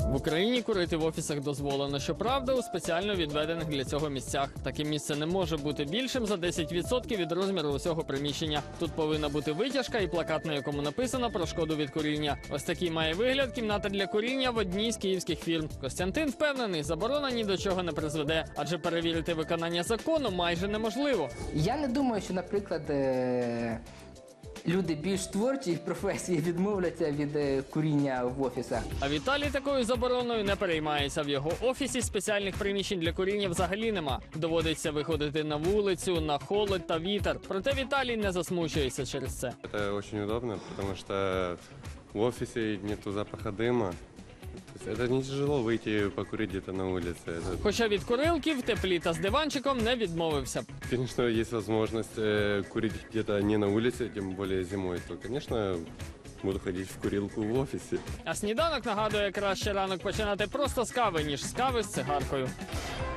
В Україні курити в офісах дозволено, щоправда, у спеціально відведених для цього місцях. Таке місце не може бути більшим за 10% від розміру усього приміщення. Тут повинна бути витяжка і плакат, на якому написано про шкоду від куріння. Ось такий має вигляд кімната для куріння в одній з київських фірм. Костянтин впевнений, заборона ні до чого не призведе, адже перевірити виконання закону майже неможливо. Я не думаю, що, наприклад, люди більш творчі професії відмовляться від куріння в офісах. А Віталій такою забороною не переймається. В його офісі спеціальних приміщень для куріння взагалі нема. Доводиться виходити на вулицю, на холод та вітер. Проте Віталій не засмучується через це. Это очень удобно, потому что в офисе нету запаха дыма. То есть это не тяжело выйти покурить где-то на улице. Хоча від курилки в теплі та з диванчиком не відмовився. Конечно, есть возможность курить где-то не на улице, тем более зимой, то, конечно, буду ходить в курилку в офисе. А сніданок нагадує, краще ранок починати просто з кави, ніж з кави з цигаркою.